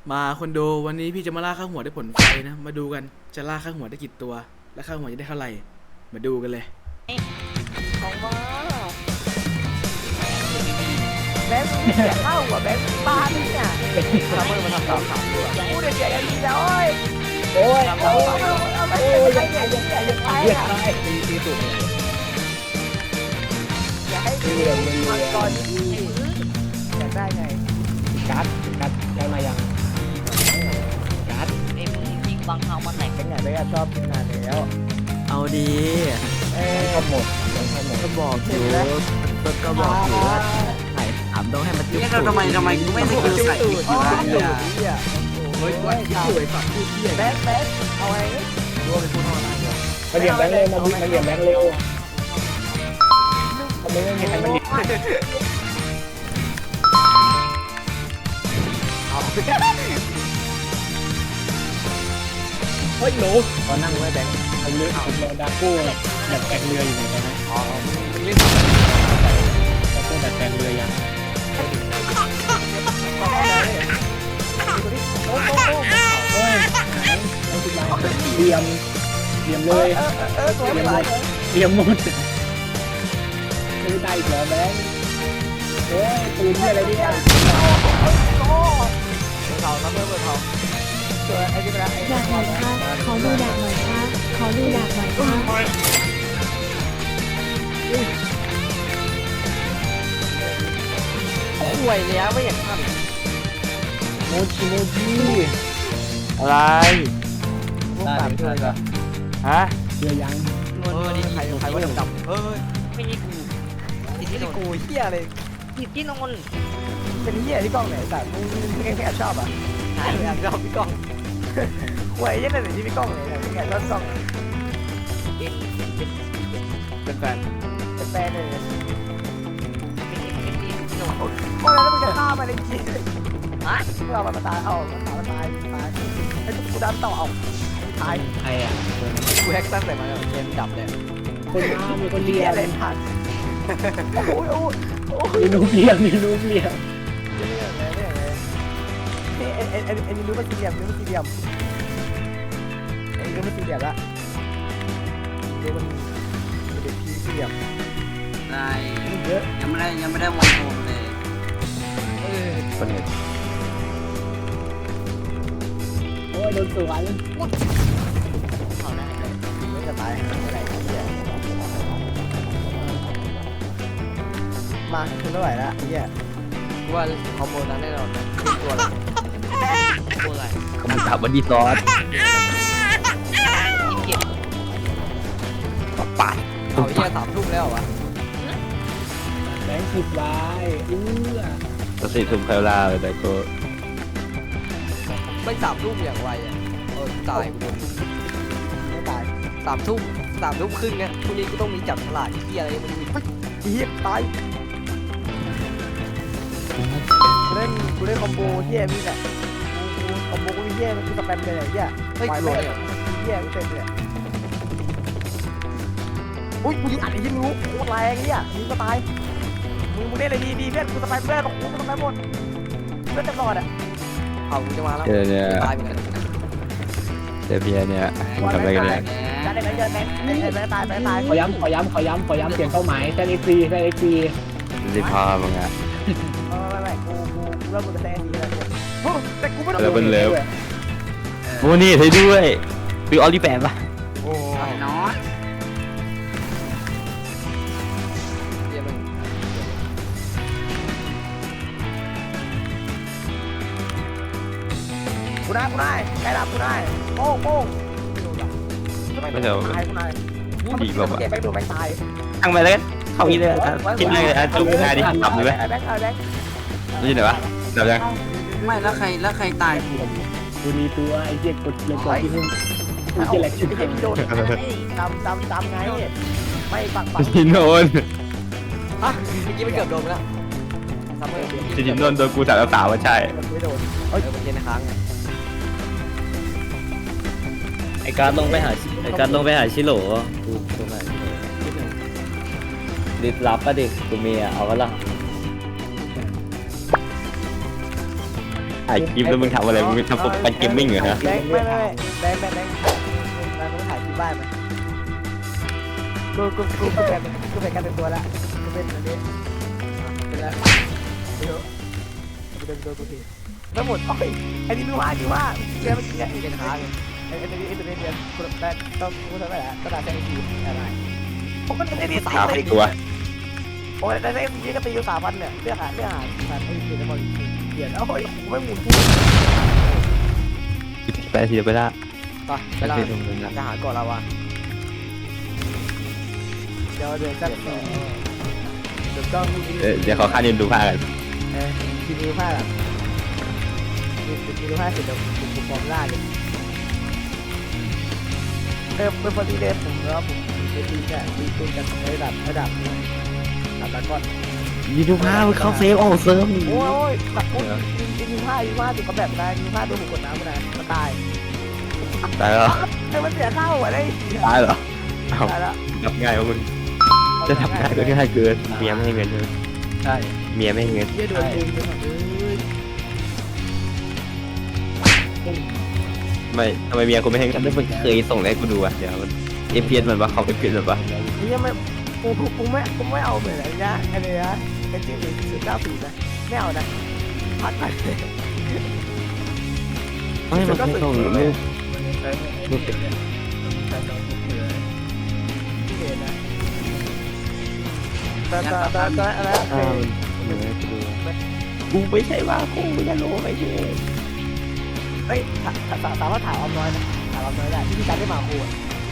มาคนดูวันนี้พี่จะมาล่าข้าวหัวได้ผลไฟนะมาดูกันจะล่าข้าวหัวได้กี่ตัวและข้าวหัวจะได้เท่าไหร่มาดูกันเลยของมาแบงค์เสียข้าวหัวแบงค์บ้าเนี่ยทำเมื่อมันทำสามตัวพูดเสียกันดีแล้วโอ้ยเอาไปใครเนี่ยอย่าไปอ่ะตีสุดอย่าให้ดูมันก่อนที่อยากได้ไงกัดได้มายังกัดเอ็มยิงบางครั้งมันไหนเป็นไงไม่ชอบกินนานแล้วเอาดีก็หมดก็บอกอยู่ก็บอกอยู่ว่าใส่ถามต้องให้มันจุ๊บทำไมกูไม่สกิลใส่อีกนะเฮ้ยว่าที่สวยฝักพูดเที่ยแบงค์เอาไว้รู้ว่าเป็นผู้นอนอะไรมาเรียนแบงค์เร็วมาเรียนแบงค์เร็วทำไมไม่มีใครมาเรียนเฮ้ยหนูตอนนั่งไว้แบงค์ผมเลือกดาโก้แบบแบงเรืออยู่ไหนกันนะอ๋อมันเล่นดาโก้แบบแบงเรือยังโอ้ยเรียมเลยเรียมหมดไม่ได้อีกแล้วแบงค์โอ้ยปืนที่อะไรเนี่ยเขาแล้วเมื่อเขาเจอไอ้ที่เป็นดาบหน่อยค่ะขอดูดาบหน่อยค่ะขอดูดาบหน่อยค่ะห่วยแล้วไม่อยากทโมจิอะไรได้เพื่อนก็ฮะเชื่อยังใครว่าดำไม่ใช่กูติดที่กูเฮียเลยติดที่นนเป็นเฮียที่กล้องไหนแต่มึงแค่ชอบอ่ะหายไปชอบพี่กล้องห่วยยังไงแต่ที่พี่กล้องเลยแค่ชอบกล้องเป็นแฟนเป็นแฟนเลยโอ้ยแล้วมึงจะฆ่ามันจริงฮะมึงเอามันตายเอามันตายไอ้กูดันต่อเอาตายใครอ่ะกูแฮกตั้งแต่มาเกมดับเลยคนมามีคนเรียนเล่นผ่านโอ้ยมีนูเรียนนี่รู้มันสี่เหลี่ยมไอ้รู้มันสี่เหลี่ยมละรู้มันเป็นพีสี่เหลี่ยมได้ยังไม่ได้วันโอนเลยคนเห็นโอ้ยโดนสวนเขาได้เลยไม่จะตายอะไรเนี่ยมาถึงเท่าไหร่ละเนี่ยว่าคอมโบนั้นแน่นอนตัวอะไรคำถามวันดีซอสปัดเอาเหี้ย3 ทุ่มแล้ววะแบงค์10 ไว้ก็4 ทุ่มแพลวลาเลยแต่ก็ไม่3 ทุ่มอย่างไวอ่ะตายกูไม่ตาย3 ทุ่มครึ่งเนี่ยพรุ่งนี้ก็ต้องมีจับฉลากที่เหี้ยอะไรมันมีเหี้ยตายกูเล่นคอมโบเหี้ยนี่แหละคอมโบกูเหี้ยมันคือสแปมเลยเหี้ยไม่กลัวเลยเหี้ยกูเต็มเลยอุ้ยกูยิงอัดยิงรู้โคตรแรงเนี่ยยิงก็ตายมึงเล่นอะไรดีเพื่อนกูสไปเพื่อนกูสไปหมดเพื่อนจะรอดอ่ะเอากูจะมาแล้วตายเหมือนกันเดี๋ยวพี่เนี่ยทำอะไรกันเนี่ยจะได้ไหมเยอะไหมไม่ตายขอย้ำเปลี่ยนเป้าหมายแค่เอ็กซีรีพามึงอ่ะไม่กูเริ่มกูจะแซงดีแล้วแต่กูไม่ต้องเป็นเร็วโอ้นี่ให้ด้วยปีออลิแปมป่ะโอ้ยน้อยกูได้ใครรับกูได้โป้งไม่เดี๋ยวดีกว่าเก็บไปดูไม่ตายทั้งไปเลยเข้าอีเลยคิดเลยจุ๊บนาดิตับเลยไหมนี่ไหนวะดับยังไม่แล้วใครตายกูมีตัวไอ้เจ๊กดเลยก่อนที่มึงกูจะแหลกชื่อโดนจำไงไม่ปักจินโดนฮะเมื่อกี้ไม่เกือบโดนแล้วจินโดนโดนกูถามแล้วสาวว่าใช่ไม่โดนมันเย็นค้างไอ้การลงไปหาชิโร่กูตรงไหนดิบลับป่ะดิกูมีอ่ะเอาก็ละถ่ายคลิปแล้วมึงทำอะไรมึงทำโปรแกรมเกมมิ่งเหรอฮะแบงค์มาถ่ายที่บ้านไหมกูแบ่งกันเป็นตัวละกูเป็นอันนี้เป็นแล้วเดี๋ยวเดินกูทีแล้วหมดโอ้ยอันนี้รู้ว่าเรียนมันเรียนอีกขาเลยไอ้ตัวนี้เรียนกูได้ต้องกูทำได้แหละก็ได้แค่ทีอะไรผมก็ได้ดีสามเลยตัวโอ้ยได้ทีก็ตีอยู่3,000เนี่ยเรื่องหาการไอ้ทีแล้วมันเปลี่ยนโอ้ยไม่หมุนกูไปทีเดียวไปละไปเราจะหาก่อนเราวะเดี๋ยวกันเดี๋ยวต้องเดี๋ยวขอค่ายืนดูผ้ากันทีนี้ผ้าแบบทีนี้ผ้าเสร็จเดี๋ยวผมปลอมล่าเลยเป็นพอดีเลยผมแล้วผมไปตีกันตีกันระดับนี้ระดับก้อนยืนดูผ้าเขาเซฟออกเซิร์ฟโอ้ยแบบโอ้ยยิงผ้าถึงกับแบบนั้นยิงผ้าโดนกดน้ำมันตายตายแล้วไอ้มันเสียข้าวอ่ะได้ตายเหรอเอ้าตายแล้วทำง่ายกว่ามึงจะทำง่ายก็ง่ายเกินเมียไม่ให้เงินเลยใช่เมียไม่ให้เงินเยี่ยโดนดึงไปหมดเลยไม่ทำไมเมียกูไม่ให้เงินไม่เคยส่งให้กูดูอ่ะเดี๋ยวมันเอฟพีเอสมันวะเขาเอฟพีเอสมันวะนี่ยังไม่กูไม่เอาเหมือนอะไรนะไอ้เนี่ยนะไอ้ที่090นะไม่เอานะพัดไปไม่มันไม่ส่งรูปรูปเป็นเนี่ยที่เห็นนะแต่อะไรกูไม่ใช่ว่ากูจะรู้ไม่ใช่เฮ้ยสามารถถามออมน้อยนะถามออมน้อยได้ที่การได้มาคู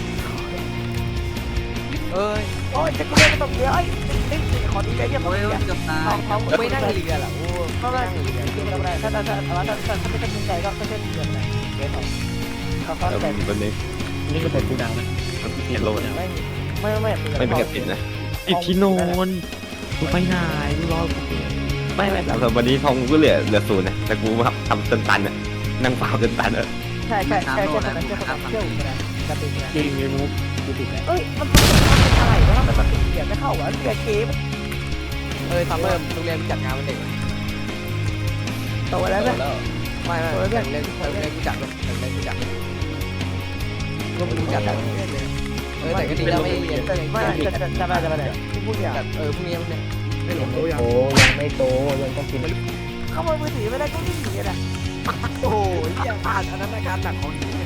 โอ้ยจะกูเล่นตรงนี้เอ้ยขอดีใจเยี่ยมโอ้ยเลยเกือบตายเขาไม่นั่งเรือหรอโอ้เขานั่งเรือคืออะไรถ้าไม่ตั้งใจก็เล่นเรืออะไรเล่นเขาแต่วันนี้นี่ก็เป็นกูดังนะเห็นโลนะไม่ไม่เป็นกระปิดนะติดที่นอนกูไปไหนกูรอไม่แต่วันนี้ทองกูเหลือศูนย์นะแต่กูมาทำจนตันอ่ะนั่งเฝ้าจนตันอ่ะใช่คนนั้นเชื่อนะกระติกนะจริงเลยมุกกูติดแล้วเอ้ยมันเป็นอะไรวะมันติดเกียร์ไม่เข้าวะเกียร์เกมซัมเมอร์โรงเรียนจัดงานวันเด็กโตแล้วนะไม่เรียนกูจัดกูจัดก็มึงจัดแต่ก็ดีแล้วไม่เรียนไม่จะไปไหนพรุ่งนี้พรุ่งนี้มันเนี่ยไม่หลงโตยังโอ้ยังไม่โตยังต้องกินเข้ามามือถือไม่ได้ก็วิ่งหนีนะโอ้ยอย่างอ่านอันนั้นการหนักของนี้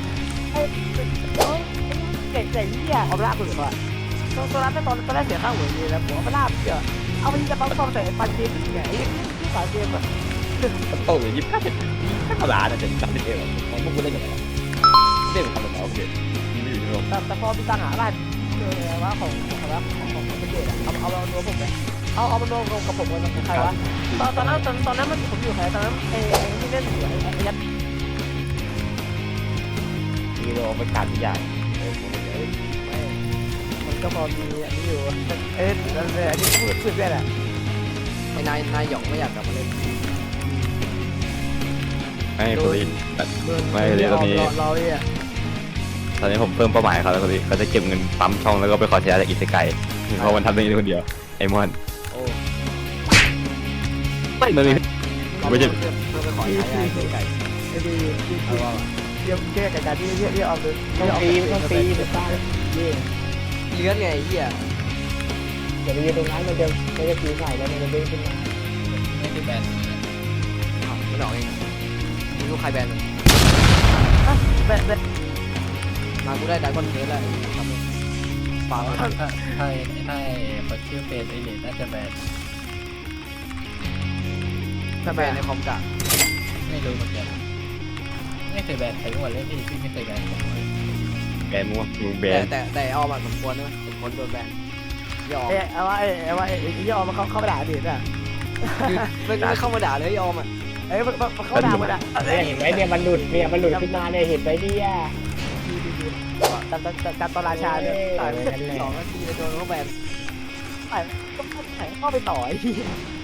เจ๋งเหี้ยเอาไปลาบสุดก่อนตอนนั้นตอนแรกเสียค่าหัวเลยแล้วผมเอาไปลาบเยอะเอาไปจะปั๊มใส่ปันเกมที่ไหนที่สายเกมอ่ะโตอยู่25ไม่พลาดนะจะ30เอวของพวกกูเล่นกันเล่นทำแบบโอเคไม่อยู่ในโลกแต่พอมีตังหาร้านว่าของเป็นเด็กอ่ะเอามารวมผมเลยเอามารวมกับผมกันใครวะตอนนั้นมันผมอยู่ใครตอนนั้นไอ้ที่เล่นอยู่ไอ้ยัดมีโลไม่การใหญ่มันก็พอมีอันนี้อยู่อันนี้พูดได้แหละไอ้นายหยองไม่อยากกลับมาเล่นไม่คนนี้ไม่เลยตอนนี้รอเนี่ยตอนนี้ผมเพิ่มเป้าหมายเขาแล้วคนนี้เขาจะเก็บเงินปั๊มช่องแล้วก็ไปขอใช้จากอิสไกเพราะมันทำได้คนเดียวไอมอนโอ้ไม่เลยไม่ใช่เพื่อไปขอใช้ไก่ไอ้ดีเรียกแก้ไก่การที่เรียกเอาเลยต้องตีไปสร้างนี่เลื้อนไงเหี้ยเดี๋ยวไปยืนตรงนั้นมันจะตีใส่แล้วมันจะเด้งขึ้นมาไม่ได้แบนไม่หลอกเองมีลูกใครแบนมันแบนมากูได้ไดคอนเทสแล้วปากถ้าคนชื่อเป็นไอเด็กน่าจะแบนถ้าแบนในคอมกะไม่รู้เหมือนกันไม่เคยแบนใครเมื่อวันเล่นพี่ไม่เคยแบนแบนมั่วมึงแบนแต่ออมสมควรนะสมควรโดนแบนยอมเอาว่ายอมมาเข้ามาด่าเด็ดอ่ะไม่เข้ามาด่าเลยยอมอ่ะเอ้ยมันเข้าด่ามันอ่ะเห็นไหมเนี่ยมันหลุดขึ้นมาเนี่ยเห็นไหมเนี่ยการตอนราชาเนี่ยต่อยไป2 นาทีโดนเขาแบนก็เข้าไปต่อไอ้ที่